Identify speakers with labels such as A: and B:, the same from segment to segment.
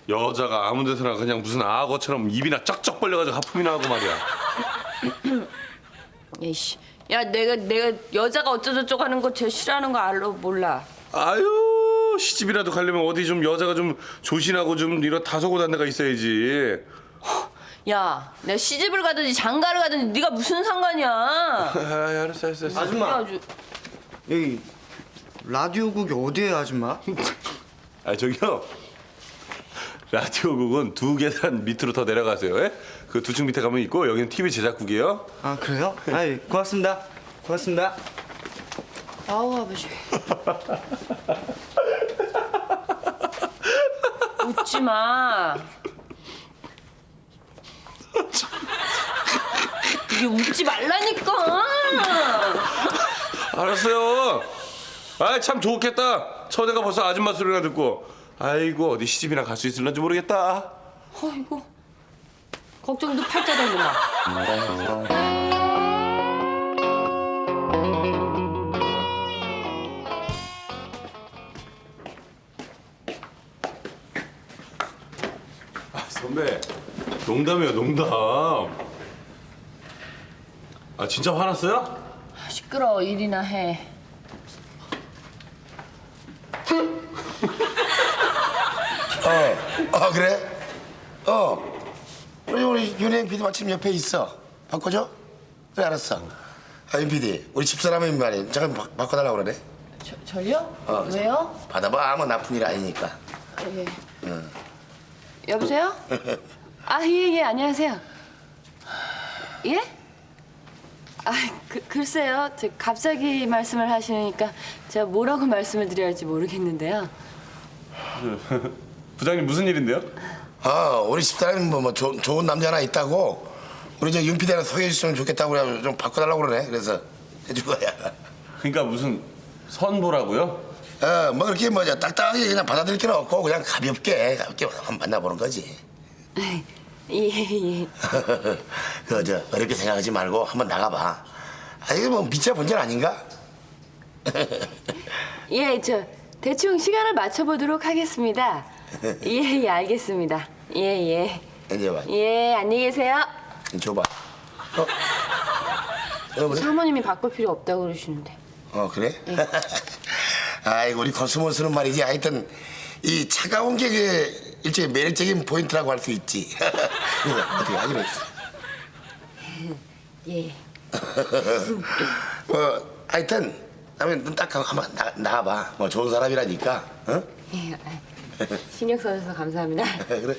A: 여자가 아무 데서나 그냥 무슨 악어처럼 입이나 쩍쩍 벌려가지고 하품이나 하고 말이야.
B: 에이씨, 야 내가 여자가 어쩌저쩌고 하는 거 제일 싫어하는 거 알로 몰라.
A: 아유, 시집이라도 가려면 어디 좀 여자가 좀 조신하고 좀 이런 다소곳한 데가 있어야지.
B: 야, 내가 시집을 가든지 장가를 가든지 네가 무슨 상관이야?
A: 아, 알았어.
C: 아줌마,
B: 아주.
C: 여기 라디오국이 어디예요, 아줌마?
A: 아, 저기요. 라디오국은 2계단 밑으로 더 내려가세요. 예? 그 2층 밑에 가면 있고 여기는 TV 제작국이에요.
C: 아, 그래요? 아이, 고맙습니다. 고맙습니다.
B: 아우 아버지. 웃지 마. 이게 웃지 말라니까.
A: 알았어요. 아, 참 좋겠다. 처제가 벌써 아줌마 소리나 듣고. 아이고, 어디 시집이나 갈 수 있을런지 모르겠다.
B: 아이고. 걱정도 팔자 되구나.
A: 아, 선배, 농담이에요, 농담. 아, 진짜 화났어요?
B: 시끄러워. 일이나 해.
D: 그래? 우리 윤행 PD 마침 옆에 있어. 바꿔줘? 그래, 알았어. 윤 PD, 우리 집사람이 말이야. 잠깐 바꿔달라고 그러네.
B: 저요? 왜요?
D: 받아봐, 아무 나쁜 일 아니니까.
B: 예. 여보세요? 아, 예, 안녕하세요. 예? 아, 글쎄요. 갑자기 말씀을 하시니까 제가 뭐라고 말씀을 드려야 할지 모르겠는데요.
A: 부장님 무슨 일인데요?
D: 우리 집사람이 좋은 남자 하나 있다고. 우리 윤 PD한테 소개해 주시면 좋겠다고 그래. 좀 바꿔달라고 그러네. 그래서 해줄 거야.
A: 그러니까 무슨 선보라고요?
D: 뭐 그렇게 딱딱하게 그냥 받아들일 게 없고 그냥 가볍게 한번 만나보는 거지.
B: 예.
D: 어렵게 생각하지 말고 한번 나가봐. 이게 뭐 미처 본전 아닌가?
B: 예, 대충 시간을 맞춰보도록 하겠습니다. 예, 알겠습니다. 예.
D: 이제 봐.
B: 예, 안녕히 계세요.
D: 줘봐. 여보세요?
B: 사모님이 바꿀 필요 없다고 그러시는데.
D: 그래? 아이고, 우리 코스모스는 말이지. 하여튼 이 차가운 게 일종의 매력적인 포인트라고 할 수 있지. 그래서 어떻게 하기로 했어.
B: 예.
D: 하여튼 다음에 눈 딱 감고 한번 나가봐. 뭐 좋은 사람이라니까. 어?
B: 예, 신경 써주셔서 감사합니다.
D: 그래.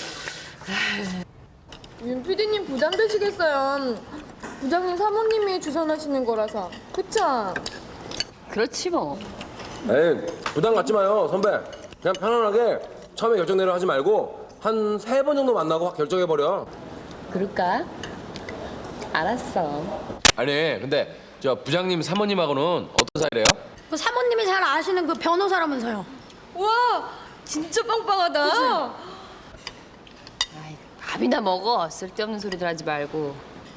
E: 윤 PD님 부담되시겠어요. 부장님 사모님이 주선하시는 거라서. 그쵸?
B: 그렇지 뭐.
F: 에이, 부담 갖지 마요, 선배. 그냥 편안하게 처음에 결정대로 하지 말고 한 3번 정도 만나고 확 결정해버려.
B: 그럴까? 알았어.
G: 아니 근데 저 부장님 사모님하고는 어떤 사이래요?
H: 그 사모님이 잘 아시는 그 변호사라면서요.
E: 와, 진짜 빵빵하다.
B: 아이, 밥이나 먹어. 쓸데없는 소리들 하지 말고.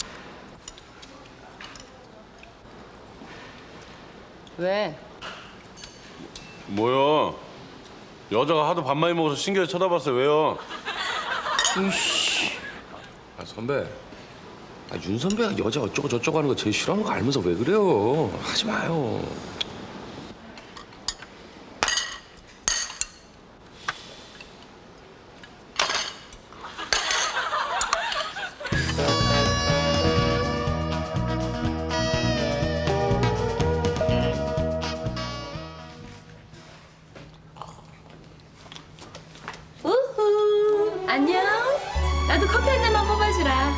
B: 왜?
A: 뭐요? 여자가 하도 밥 많이 먹어서 신기해서 쳐다봤어요. 왜요?
G: 아 선배, 윤 선배가 여자 어쩌고 저쩌고 하는 거 제일 싫어하는 거 알면서 왜 그래요? 하지 마요.
B: 우후. 안녕. 나도 커피 한 잔만 뽑아주라.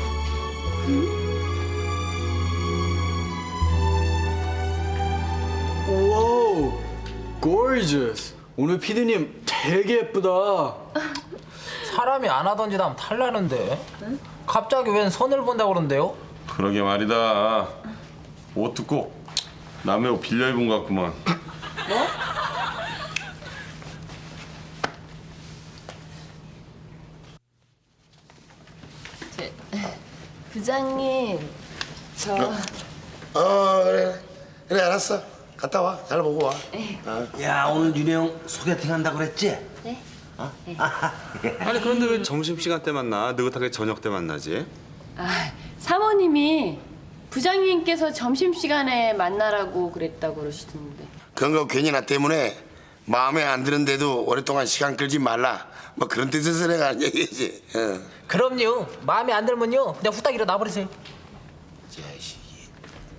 I: 와우, gorgeous. 오늘 피디님 되게 예쁘다.
J: 사람이 안 하던 짓 하면 탈나는데. 갑자기 웬 선을 본다고 그러는데요?
A: 그러게 말이다. 옷도 꼭 남의 옷 빌려 입은 것 같구만.
B: 뭐? 부장님,
D: 그래, 알았어. 갔다 와. 잘 보고 와.
C: 야, 오늘 윤영 소개팅 한다고 그랬지?
B: 네?
C: 아니 그런데 왜 점심시간 때 만나? 느긋하게 저녁 때 만나지?
B: 아, 사모님이 부장님께서 점심시간에 만나라고 그랬다고 그러시던데.
D: 그런 거 괜히 나 때문에 마음에 안 드는데도 오랫동안 시간 끌지 말라. 뭐 그런 뜻에서 내가 하는 얘기지.
J: 그럼요. 마음에 안 들면요. 그냥 후딱 일어나버리세요.
D: 자식이.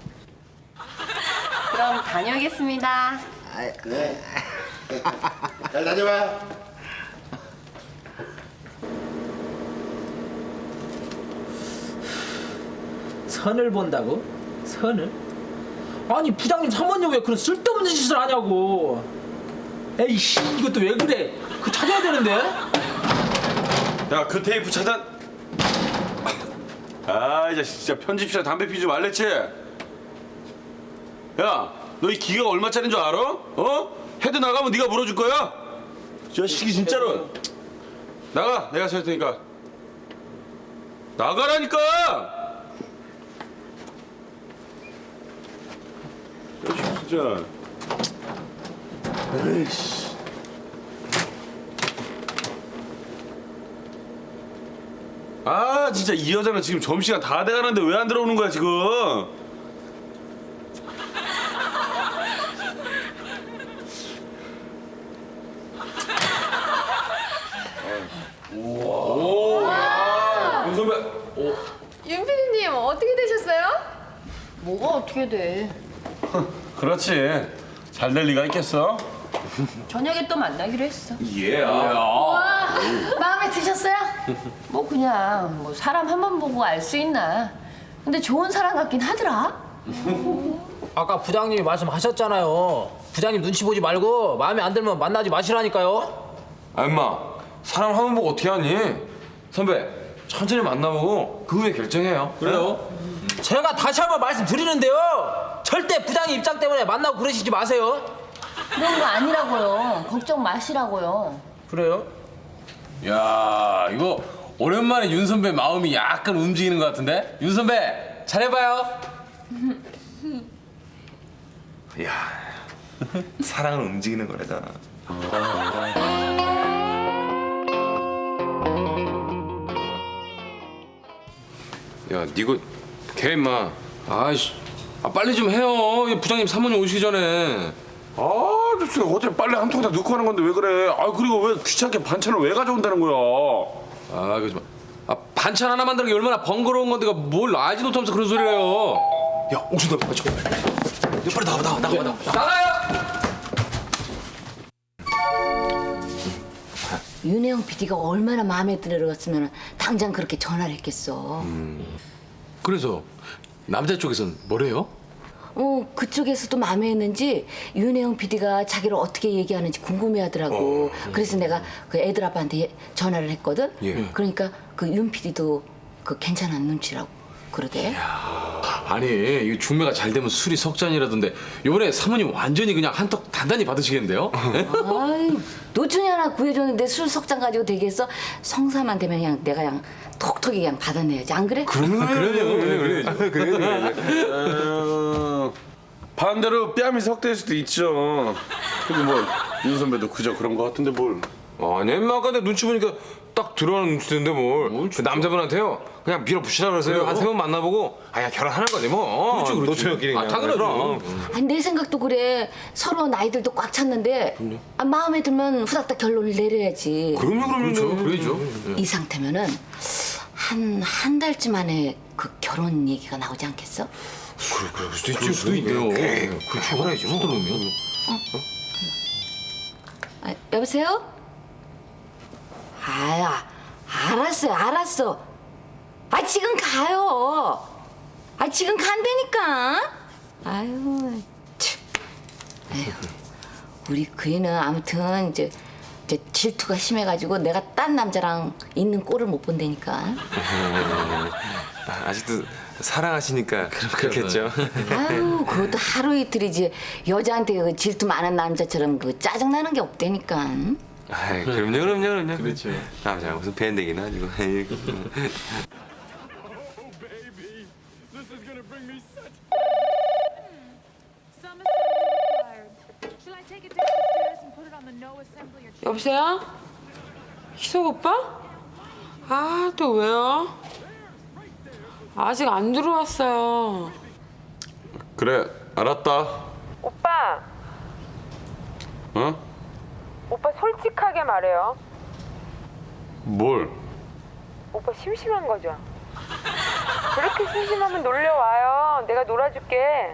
B: 그럼 다녀오겠습니다.
D: 그래. 잘 다녀봐.
J: 선을 본다고? 선을? 아니 부장님 사모님 왜 그런 쓸데없는 짓을 하냐고. 에이씨 이것도 왜 그래? 그거 찾아야 되는데.
A: 야, 그 테이프 차단. 아, 이제 진짜 편집실에 담배 피지 말랬지? 야, 너 이 기계가 얼마짜리인 줄 알아? 어? 헤드 나가면 네가 물어줄 거야? 저 자식이 진짜로. 나가, 내가 살 테니까. 나가라니까! 야, 진짜. 에이씨. 아, 진짜 이 여자는 지금 점심시간 다 돼가는데 왜 안 들어오는 거야 지금? 윤 선배.
E: 윤 PD님 어떻게 되셨어요?
B: 뭐가 어떻게 돼?
A: 그렇지. 잘 될 리가 있겠어?
B: 저녁에 또 만나기로 했어.
A: 예.
H: 마음에 드셨어요?
B: 뭐 그냥 뭐 사람 한 번 보고 알 수 있나. 근데 좋은 사람 같긴 하더라.
J: 아까 부장님이 말씀하셨잖아요. 부장님 눈치 보지 말고 마음에 안 들면 만나지 마시라니까요.
G: 아 임마 사람 한 번 보고 어떻게 하니? 선배 천천히 만나보고 그 후에 결정해요.
F: 그래요?
J: 제가 다시 한번 말씀드리는데요. 절대 부장님 입장 때문에 만나고 그러시지 마세요.
B: 그런 거 아니라고요. 걱정 마시라고요.
J: 그래요?
G: 야 이거 오랜만에 윤 선배 마음이 약간 움직이는 것 같은데? 윤 선배 잘해봐요.
C: 야, 사랑은 움직이는 거래잖아.
G: 야 니가 걔 임마. 아이씨 빨리 좀 해요. 이 부장님 사모님 오시기 전에.
A: 아, 진짜 어제 빨래 한 통 다 넣고 하는 건데 왜 그래? 아, 그리고 왜 귀찮게 반찬을 왜 가져온다는 거야?
G: 아 그러지 마. 아 반찬 하나 만드는 게 얼마나 번거로운 건데가 뭘 알지도 못하면서 그런 소리를 해요.
C: 야, 옥순 너 빨리 빨리 나가.
G: 나가요.
K: 윤혜영 PD가 얼마나 마음에 들었으면 당장 그렇게 전화를 했겠어.
G: 그래서 남자 쪽에선 뭐래요?
K: 그쪽에서도 마음에 했는지 윤혜영 PD가 자기를 어떻게 얘기하는지 궁금해하더라고. 그래서 내가 그 애들 아빠한테 전화를 했거든.
G: 예.
K: 그러니까 그 윤 PD도 그 괜찮은 눈치라고 그러대.
G: 아니 이 중매가 잘 되면 술이 석 잔이라던데 이번에 사모님 완전히 그냥 한턱 단단히 받으시겠는데요?
K: 아이, 노춘이 하나 구해줬는데 술 석잔 가지고 되겠어? 성사만 되면 그냥 내가 그냥 톡톡이 그냥 받아내야지. 안 그래?
A: 반대로 뺨이 석대일 수도 있죠. 근데 뭐 윤 선배도 그저 그런 거 같은데 뭘?
G: 아니 아까 내 눈치 보니까 딱 들어가는 눈치인데 뭘. 그 남자분한테요 그냥 밀어붙이라 그러세요. 한 3번 만나보고 야 결혼하는 거지 뭐. 그렇지.
C: 노처녀끼리 그냥.
G: 당연하죠.
K: 아니 내 생각도 그래. 서로 나이들도 꽉 찼는데 마음에 들면 후닥닥 결론을 내려야지.
G: 그럼요. 그러죠.
K: 이 상태면은 한 달쯤 안에 그 결혼 얘기가 나오지 않겠어?
G: 그럴 수도 있네요. 그렇죠. 알아야죠. 그러면.
K: 아, 여보세요? 아야, 알았어. 아 지금 가요. 아 지금 간다니까. 아유, 참. 아유, 우리 그이는 아무튼 이제 질투가 심해가지고 내가 딴 남자랑 있는 꼴을 못 본다니까.
C: 아직도 사랑하시니까 그렇겠죠.
K: 아유, 그것도 하루 이틀이지. 여자한테 그 질투 많은 남자처럼 그 짜증나는 게 없다니까.
C: 아이, 그럼요. 그렇죠. 남자 무슨 밴드기나 아니고.
E: 여보세요? 희석 오빠? 아, 또 왜요? 아직 안 들어왔어요.
A: 그래, 알았다.
E: 오빠,
A: 어?
E: 오빠 솔직하게 말해요.
A: 뭘?
E: 오빠 심심한 거죠? 그렇게 심심하면 놀려와요. 내가 놀아줄게.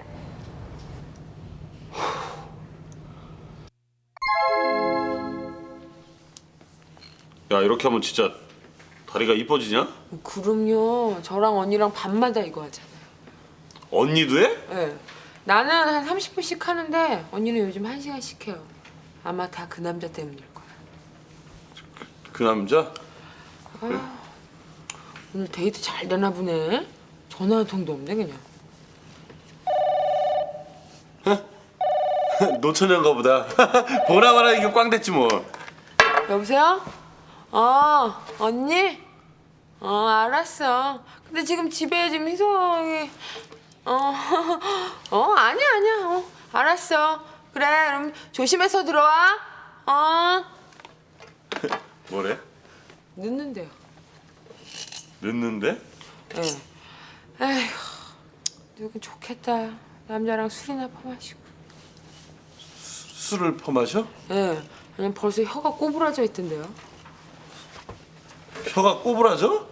A: 야, 이렇게 하면 진짜 다리가 이뻐지냐?
E: 그럼요. 저랑 언니랑 밤마다 이거 하잖아요.
A: 언니도 해?
E: 네. 나는 한 30분씩 하는데 언니는 요즘 1시간씩 해요. 아마 다 그 남자 때문일 거야.
A: 그 남자?
E: 오늘 데이트 잘 되나 보네. 전화 한 통도 없네 그냥.
A: 노처녀인가 보다. 보라 마라 이게 꽝 됐지 뭐.
E: 여보세요? 언니? 알았어. 근데 지금 집에 지금 희성이 아니야. 알았어. 그래, 그럼 조심해서 들어와.
A: 뭐래?
E: 늦는데요.
A: 늦는데?
E: 예. 에휴, 누군 좋겠다. 남자랑 술이나 퍼마시고.
A: 술을 퍼마셔?
E: 예. 그냥 벌써 혀가 꼬부라져 있던데요.
A: 혀가 꼬부라져?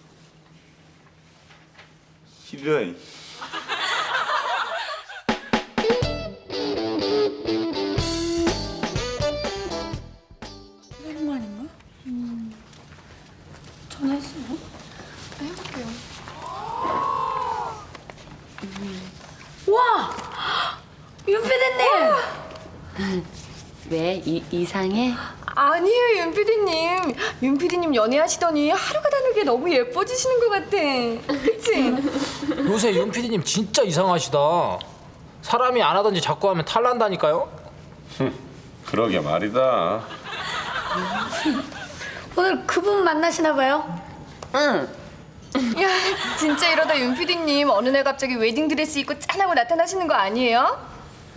A: 이런.
H: 전화했어요? 네, 해볼게요. 와! 윤피디님!
B: 왜? 이상해?
E: 아니에요, 윤 PD님. 윤 PD님 연애하시더니 하루가 다르게 너무 예뻐지시는 것 같아. 그치?
J: 요새 윤 PD님 진짜 이상하시다. 사람이 안 하던지 자꾸 하면 탈난다니까요.
A: 그러게 말이다.
H: 오늘 그분 만나시나 봐요?
B: 응.
E: 야, 진짜 이러다 윤 PD님 어느 날 갑자기 웨딩드레스 입고 짠하고 나타나시는 거 아니에요?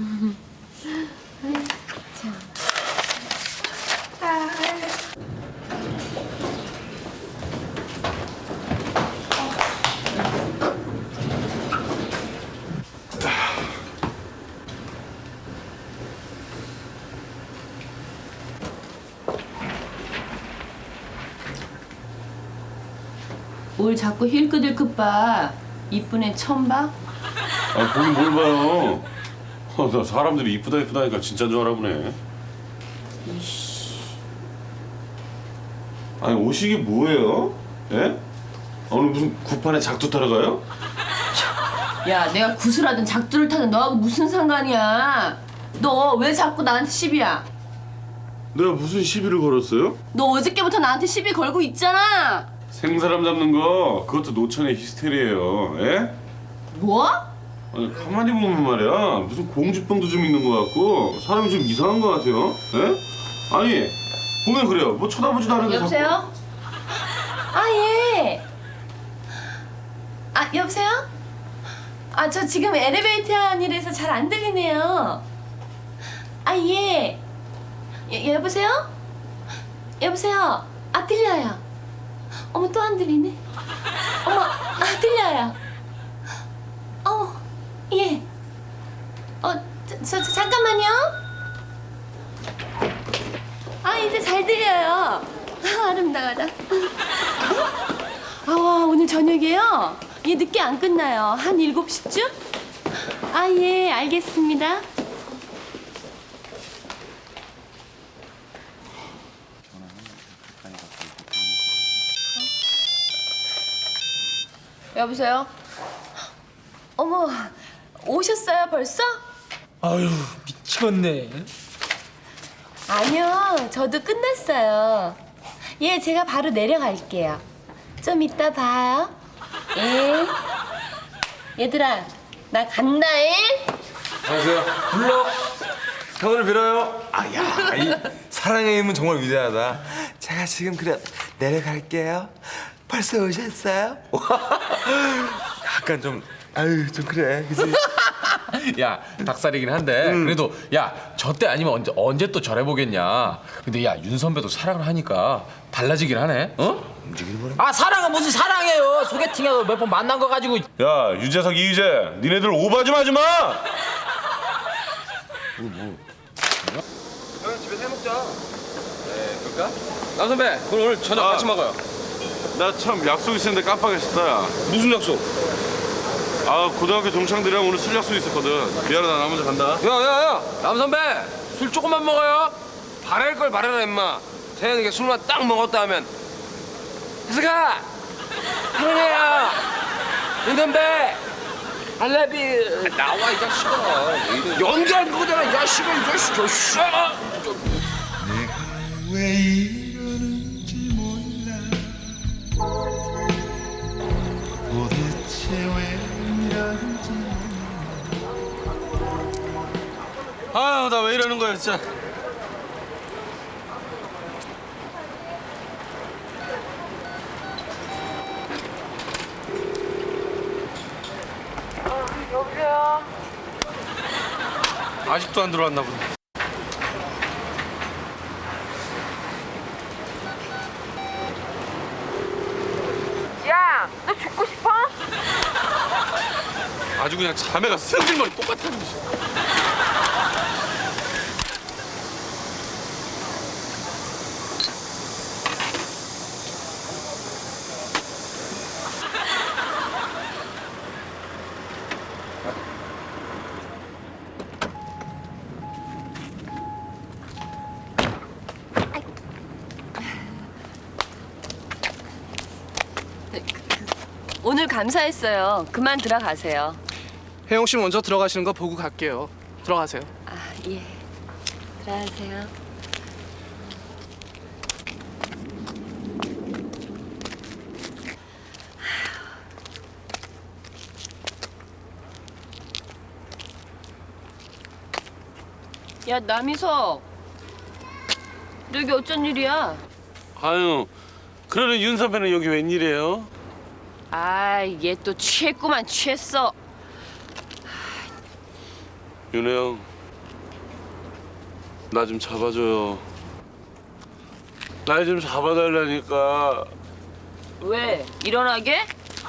B: 뭘 자꾸 힐끗힐끗 봐. 이쁜 애 처음 봐?
A: 아, 보긴 뭘 봐요. 나 사람들이 이쁘다 이쁘다니까 진짜인 줄 알아보네. 아니 옷이 이게 뭐예요? 예? 오늘 무슨 구판에 작두 타러 가요?
B: 야, 내가 구슬하든 작두를 타든 너하고 무슨 상관이야? 너 왜 자꾸 나한테 시비야?
A: 내가 무슨 시비를 걸었어요?
B: 너 어저께부터 나한테 시비 걸고 있잖아.
A: 생사람 잡는 거 그것도 노천의 히스테리예요. 예?
B: 뭐?
A: 아니 가만히 보면 말이야 무슨 공주병도 좀 있는 것 같고 사람이 좀 이상한 것 같아요. 예? 아니 보면 그래요. 뭐 쳐다보지도 않는데
B: 여보세요? 아, 예. 아, 여보세요? 아, 저 지금 엘리베이터 안이라서 잘 안 들리네요. 아, 예. 여보세요? 여보세요? 아, 들려요. 어머, 또 안 들리네. 어머, 아, 들려요. 예. 잠깐만요. 아, 이제 잘 들려요. 아, 아름다워라. 아, 오늘 저녁에요? 예, 늦게 안 끝나요. 한 7시쯤? 아, 예, 알겠습니다. 여보세요? 어머, 오셨어요 벌써?
J: 아유 미쳤네.
B: 아니요, 저도 끝났어요. 예, 제가 바로 내려갈게요. 좀 이따 봐요. 예. 얘들아, 나 간다잉.
C: 안녕하세요. 불러. 성을 빌어요. 아야, 이 사랑의 힘은 정말 위대하다. 제가 지금 그래 내려갈게요. 벌써 오셨어요? 약간 좀 아유 좀 그래, 그지?
G: 야 닭살이긴 한데 그래도 야 저 때 아니면 언제 또 저래보겠냐. 근데 야 윤 선배도 사랑을 하니까 달라지긴 하네. 어?
J: 아 사랑은 무슨 사랑이에요. 소개팅에서 몇 번 만난 거 가지고.
A: 야 유재석 이휘재 니네들 오바 좀 하지 마.
F: 형 집에서 해 먹자. 네, 그럴까? 남 선배, 그럼 오늘 저녁 같이 먹어요.
A: 나 참 약속 있었는데 깜빡했었다. 야.
F: 무슨 약속?
A: 아 고등학교 동창들이랑 오늘 술 약속 있었거든. 미안하다 나 먼저 간다.
F: 야야야, 남 선배, 술 조금만 먹어요. 바랄 걸 바라라 임마. 태현이가 술만 딱 먹었다 하면 희석아, 태현이야, 윤 선배, I love you. 나와 이 자식아. 연기하는 거잖아 이 자식아, 이 자식아.
D: 왜 이러는지 몰라 도대체 왜 이러는지
A: 아유 나 왜 이러는 거야 진짜.
B: 여보세요?
A: 아직도 안 들어왔나 보네.
B: 야, 너 죽고 싶어?
A: 아주 그냥 자매가 승질머리 똑같아.
B: 오늘 감사했어요. 그만 들어가세요.
L: 혜영 씨 먼저 들어가시는 거 보고 갈게요. 들어가세요.
B: 아, 예. 들어가세요. 야, 남이석. 너 여기 어쩐 일이야?
A: 아유 그러는 윤 선배는 여기 웬일이에요?
B: 아, 얘 또 취했구만, 취했어.
A: 윤혜 형, 나 좀 잡아줘요. 날 좀 잡아달라니까.
B: 왜? 일어나게?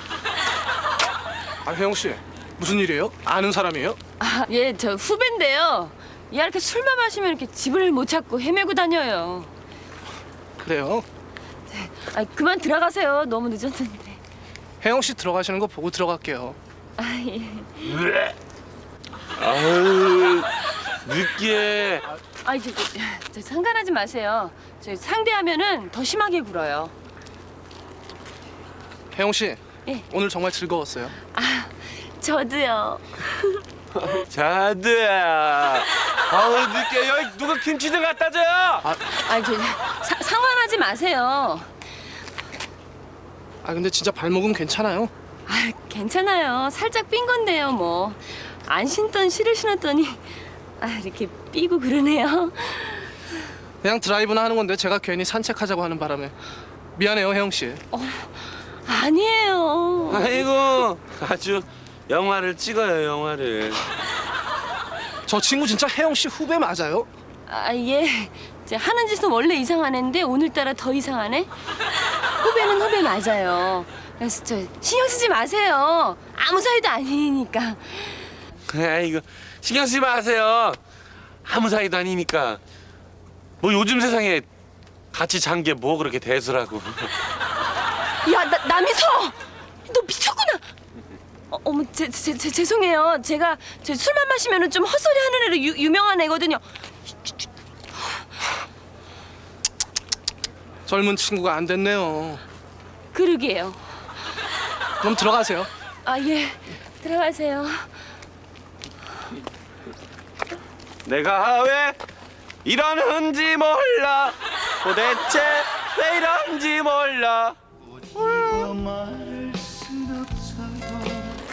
L: 아 혜영 씨 무슨 일이에요? 아는 사람이에요?
B: 아, 얘 저 후배인데요. 얘 이렇게 술만 마시면 이렇게 집을 못 찾고 헤매고 다녀요.
L: 그래요?
B: 아, 그만 들어가세요. 너무 늦었는데.
L: 혜영 씨 들어가시는 거 보고 들어갈게요.
B: 아, 예.
A: 아유 느끼해.
B: 아이, 저 상관하지 마세요. 저 상대하면은 더 심하게 굴어요.
L: 혜영 씨
B: 예.
L: 오늘 정말 즐거웠어요.
B: 아, 저도요.
A: 자두야. 아우 느끼해. 여기 누가 김치 좀 갖다 줘.
B: 아이, 상관하지 마세요.
L: 아 근데 진짜 발목은 괜찮아요?
B: 아, 괜찮아요. 살짝 삔 건데요, 뭐. 안 신던 실을 신었더니 아, 이렇게 삐고 그러네요.
L: 그냥 드라이브나 하는 건데 제가 괜히 산책하자고 하는 바람에 미안해요 혜영 씨.
B: 아니에요.
A: 아이고 아주 영화를 찍어요 영화를.
L: 저 친구 진짜 혜영 씨 후배 맞아요?
B: 아, 예. 하는 짓은 원래 이상한 애인데 오늘따라 더 이상하네. 후배는 후배 맞아요. 그래서 저 신경 쓰지 마세요. 아무 사이도 아니니까.
A: 아이고 신경 쓰지 마세요. 아무 사이도 아니니까. 뭐 요즘 세상에 같이 잔 게 뭐 그렇게 대수라고.
B: 야, 남이서! 너 미쳤구나. 어머, 죄송해요. 제가 술만 마시면 좀 헛소리 하는 애로 유명한 애거든요.
L: 젊은 친구가 안 됐네요.
B: 그러게요.
L: 그럼 들어가세요.
B: 아, 예. 들어가세요.
A: 내가 왜 이러는지 몰라. 도대체 왜 이런지 몰라.
D: 말할 순 없어도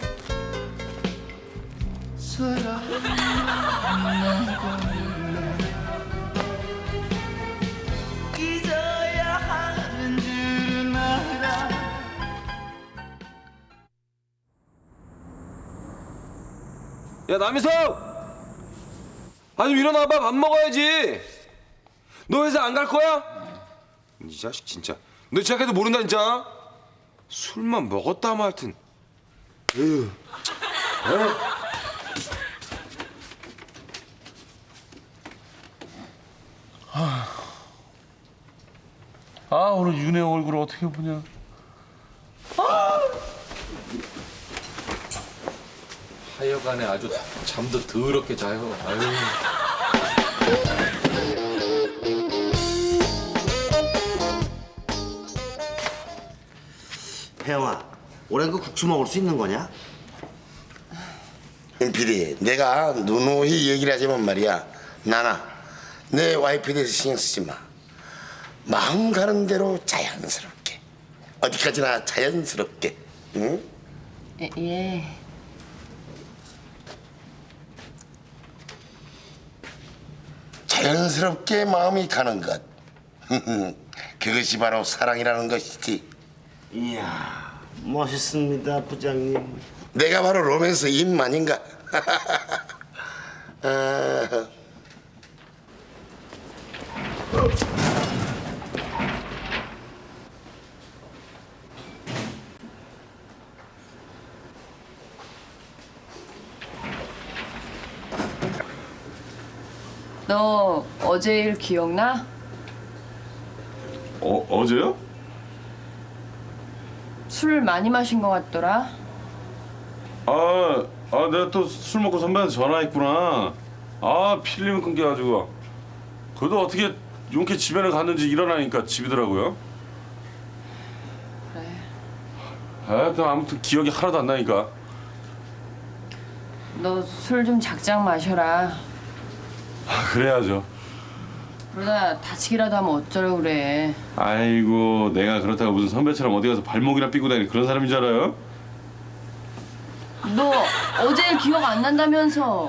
D: 사랑한다고 잊어야 하는 줄은 알아.
G: 야 남희석! 아니 일어나봐 밥 먹어야지. 너 회사 안 갈 거야? 이 자식 진짜. 너 시작해도 모른다 진짜. 술만 먹었다 하면 하여튼. 에휴.
A: 아 오늘 윤혜 얼굴을 어떻게 보냐.
J: 하여간에 아주 잠도 더럽게 자요. 아유.
M: 혜영아, 올해는 그 국수 먹을 수 있는 거냐?
D: 윤 PD, 내가 누누이 얘기를 하지만 말이야. 나나 내 와이프에 대해서 신경 쓰지 마. 마음 가는 대로 자연스럽게. 어디까지나 자연스럽게. 응?
B: 예.
D: 자연스럽게 마음이 가는 것. 그것이 바로 사랑이라는 것이지.
M: 이야, 멋있습니다, 부장님.
D: 내가 바로 로맨스 임 아닌가? 아...
B: 너 어제 일 기억나?
A: 어제요?
B: 술 많이 마신 것 같더라.
A: 내가 또 술 먹고 선배한테 전화했구나. 필름을 끊겨가지고. 그래도 어떻게 용케 집에는 갔는지 일어나니까 집이더라고요.
B: 그래.
A: 아무튼 기억이 하나도 안 나니까.
B: 너 술 좀 작작 마셔라.
A: 그래야죠.
B: 그러다 다치기라도 하면 어쩌려고 그래.
A: 아이고, 내가 그렇다고 무슨 선배처럼 어디 가서 발목이나 삐고 다니는 그런 사람인 줄 알아요?
B: 너 어제 일 기억 안 난다면서.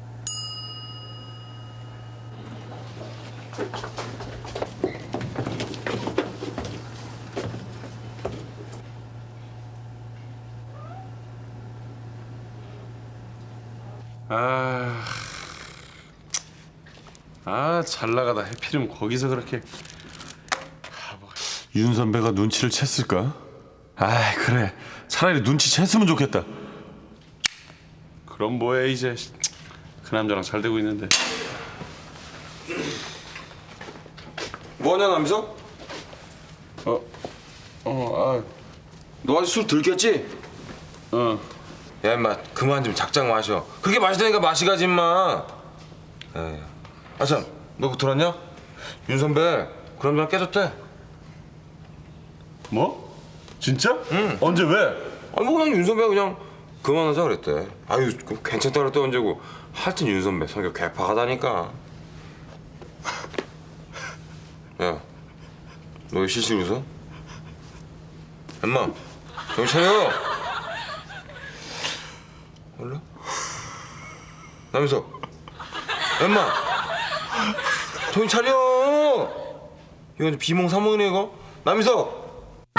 A: 잘 나가다 해필이면 거기서 그렇게. 윤 선배가 눈치를 챘을까? 그래. 차라리 눈치 챘으면 좋겠다. 그럼 뭐해 이제. 그 남자랑 잘 되고 있는데.
G: 뭐하냐 남희석? 너 아직 술 들겠지? 야 임마 그만 좀 작작 마셔. 그렇게 마시다니까 마시가지 임마. 아참 너 그거 들었냐? 윤 선배 그 남자랑 깨졌대.
A: 뭐? 진짜?
G: 응.
A: 언제 왜?
G: 아니 뭐 그냥 윤 선배가 그냥 그만하자 그랬대. 아유 그럼 괜찮다 그랬대 언제고. 하여튼 윤 선배 성격 개파하다니까. 야 너 왜 실실 웃어? 엄마 정신 차려. 몰라? 남희석 엄마 정신 차려. 이거 완전 비몽사몽이네 이거. 남희석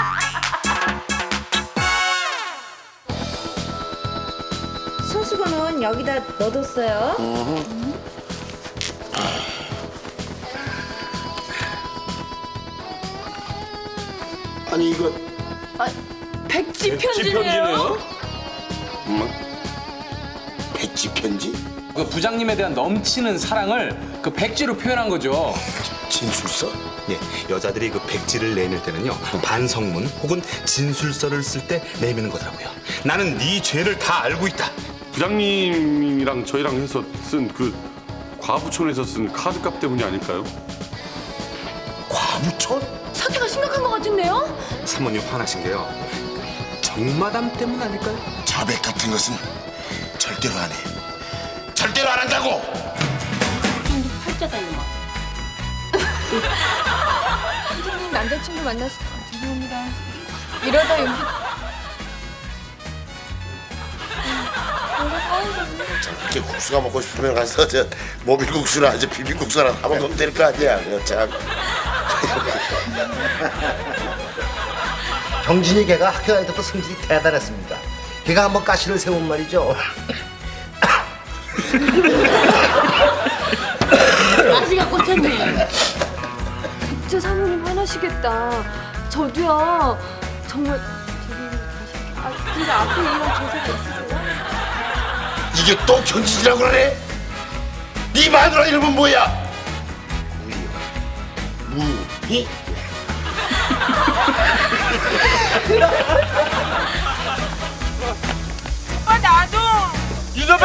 H: 손수건은 여기다 넣어뒀어요.
D: 아니 이거
B: 백지 편지네요.
D: 백지 편지?
J: 그 부장님에 대한 넘치는 사랑을 그 백지로 표현한 거죠.
D: 진술서?
N: 예, 여자들이 그 백지를 내밀 때는요 반성문 혹은 진술서를 쓸 때 내미는 거더라고요. 나는 네 죄를 다 알고 있다.
A: 부장님이랑 저희랑 해서 쓴 그 과부촌에서 쓴 카드값 때문이 아닐까요?
D: 과부촌?
B: 사태가 심각한 것 같은데요?
N: 사모님 화나신 게요 정마담 때문 아닐까요?
D: 자백 같은 것은 절대로 안 해. 절대로 안 한다고!
B: 팔자다 이놈아.
E: 부장님 남자친구 만나서 죄송합니다. 이러다 윤
D: 이렇게 국수가 먹고 싶으면 가서 저 모밀국수나 아주 비빔국수나 다 먹으면 될 거 아니야. 그거 참.
M: 경진이 걔가 학교 다닐 때부터 성질이 대단했습니다. 걔가 한번 가시를 세운 말이죠.
K: 아시가 꽂혔네.
E: 국제 사모님 화나시겠다. 저도요. 정말 근데 앞에 이런 대사가 있으세요?
D: 이게 또 견진이라고 그러네? 네 마누라 이름은 뭐야? 무희?
F: 나도.
A: 유도배.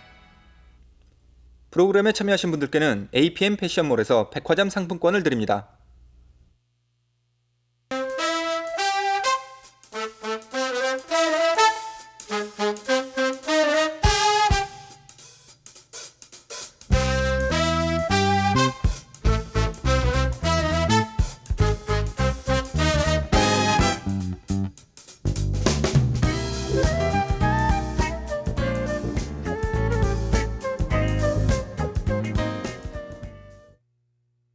O: 프로그램에 참여하신 분들께는 APM 패션몰에서 백화점 상품권을 드립니다.